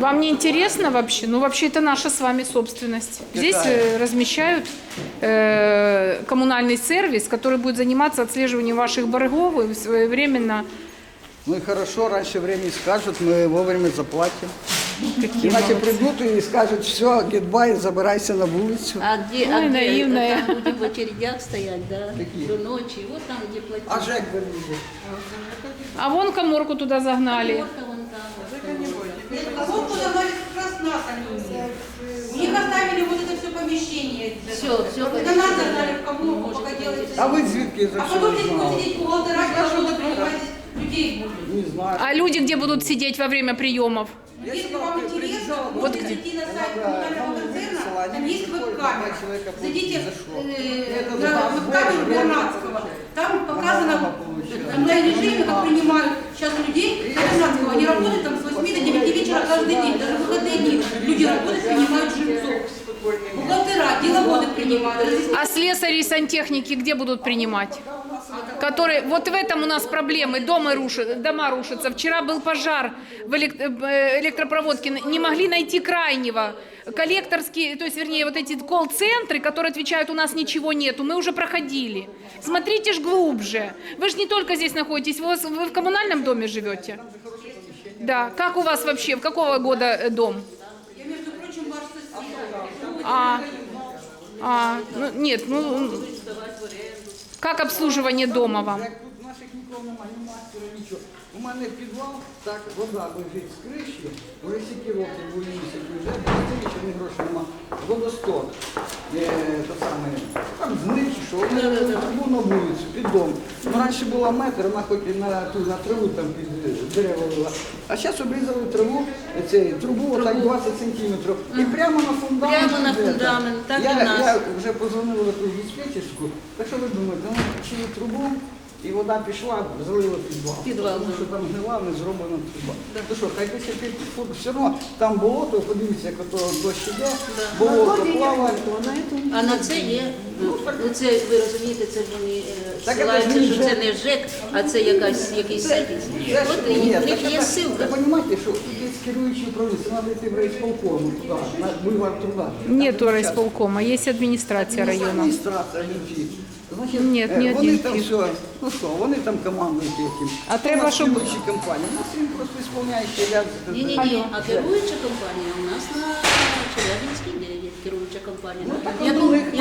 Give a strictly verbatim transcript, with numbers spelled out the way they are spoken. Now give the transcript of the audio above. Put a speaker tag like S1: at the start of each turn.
S1: Вам не интересно вообще? Ну, вообще, это наша с вами собственность. Здесь э, размещают э, коммунальный сервис, который будет заниматься отслеживанием ваших боргов и своевременно...
S2: Ну и хорошо, раньше времени скажут, мы вовремя заплатим.
S1: Какие
S2: Иначе
S1: молодцы.
S2: придут и скажут, все, гетбай, забирайся на улицу.
S3: А где,
S1: Ой,
S3: а где
S1: наивная.
S3: там люди в очередях стоять, да?
S2: Какие?
S3: До ночи, вот там, где платить.
S2: А ЖЭК вы видите?
S1: А вон коморку туда загнали.
S3: Коморка вон там.
S4: Коморку загнали как раз нас, они. У них оставили вот это все помещение.
S3: Все, все.
S4: Это нас загнали в коморку, пока делается.
S2: А вы звідки за
S4: А
S2: що
S4: потом здесь будут
S2: знали?
S4: сидеть бухгалтера, которые принимать людей будут.
S2: Не знаю.
S1: А люди где будут сидеть во время приемов?
S4: Если вам интересно,
S1: Вот
S4: можете
S1: где?
S4: зайти на сайт коммунального концерна, там есть веб-камера. Зайдите э,
S2: Это
S4: на
S2: за вас
S4: веб-камеру
S2: больше,
S4: Вернадского. Там показано
S2: Мама
S4: в
S2: получает.
S4: онлайн-режиме, как принимают сейчас людей Вернадского. Они работают там с восьми до девяти вечера каждый день, даже в выходные дни. Люди работают, принимают жильцов. Бухгалтера, деловоды принимают.
S1: А слесари и сантехники где будут принимать? Которые, вот в этом у нас проблемы, дома, рушат, дома рушатся. Вчера был пожар в элек- э, электропроводке, не могли найти крайнего. Коллекторские, то есть, вернее, вот эти колл-центры, которые отвечают, у нас ничего нету, мы уже проходили. Смотрите ж глубже. Вы же не только здесь находитесь, вы, вы в коммунальном доме живете? Да. Как у вас вообще, в какого года э, дом?
S4: Я, между прочим, ваш сосед.
S1: А, а, ну, нет, ну, как обслуживание дома вам?
S2: Як тут наших нікого немає, ні мастера, нічого. У мене підвал, так, вода лежить з криші, вже стільки років, вже місяць, вже більше ні грошей нема. Водосток, е, то саме, там зник чи що, вони трубу на вулицю, під дом. Ну, раніше була метр, вона хоч і на, ту, на траву там під дерева вела. А зараз обрізали траву, цей, трубу отак двадцять сантиметрів. І прямо на фундамент.
S3: Прямо на
S2: йде,
S3: фундамент, так і
S2: я,
S3: в нас.
S2: Я вже позвонила в якусь диспетчерську, так що ви думаєте, ну, чили трубу, і вода пішла, залила підвал.
S3: Підвал,
S2: Тому
S3: да.
S2: що там гнила, не зроблена труба. То що, хай десять фут, все одно там болото, подивіться, як ото дощ іде, болото плаває.
S3: А на це є, ну це, ви розумієте, це вони е,
S2: Так
S3: ссилаються,
S2: це ж не
S3: що це
S2: ЖЕК.
S3: не ЖЕК, а це якась, якийсь сервіс.
S2: Це ж-
S3: От і
S2: ні,
S3: в них
S2: так
S3: є
S2: це-
S3: ссылка.
S2: Ви розумієте, що тут є керуючий управління, це треба йти в райсполкому туди, на бульвар труда.
S1: Нету райсполкома, есть администрация района.
S2: Адміністрація, ні. Значить,
S1: Ні,
S2: е,
S1: ні,
S2: вони
S1: ні,
S2: там
S1: ні.
S2: все, ну що, вони там командують яким.
S1: А треба,
S2: У нас
S1: щоб-
S2: керуючі компанії, у нас він просто ісполняючий ряд.
S3: Ні-ні-ні,
S1: Алло.
S3: а керуюча компанія у нас на Челябинській дев'ять, керуюча компанія.
S2: Ну, так
S3: Я
S2: от у
S3: був-
S2: них-
S3: я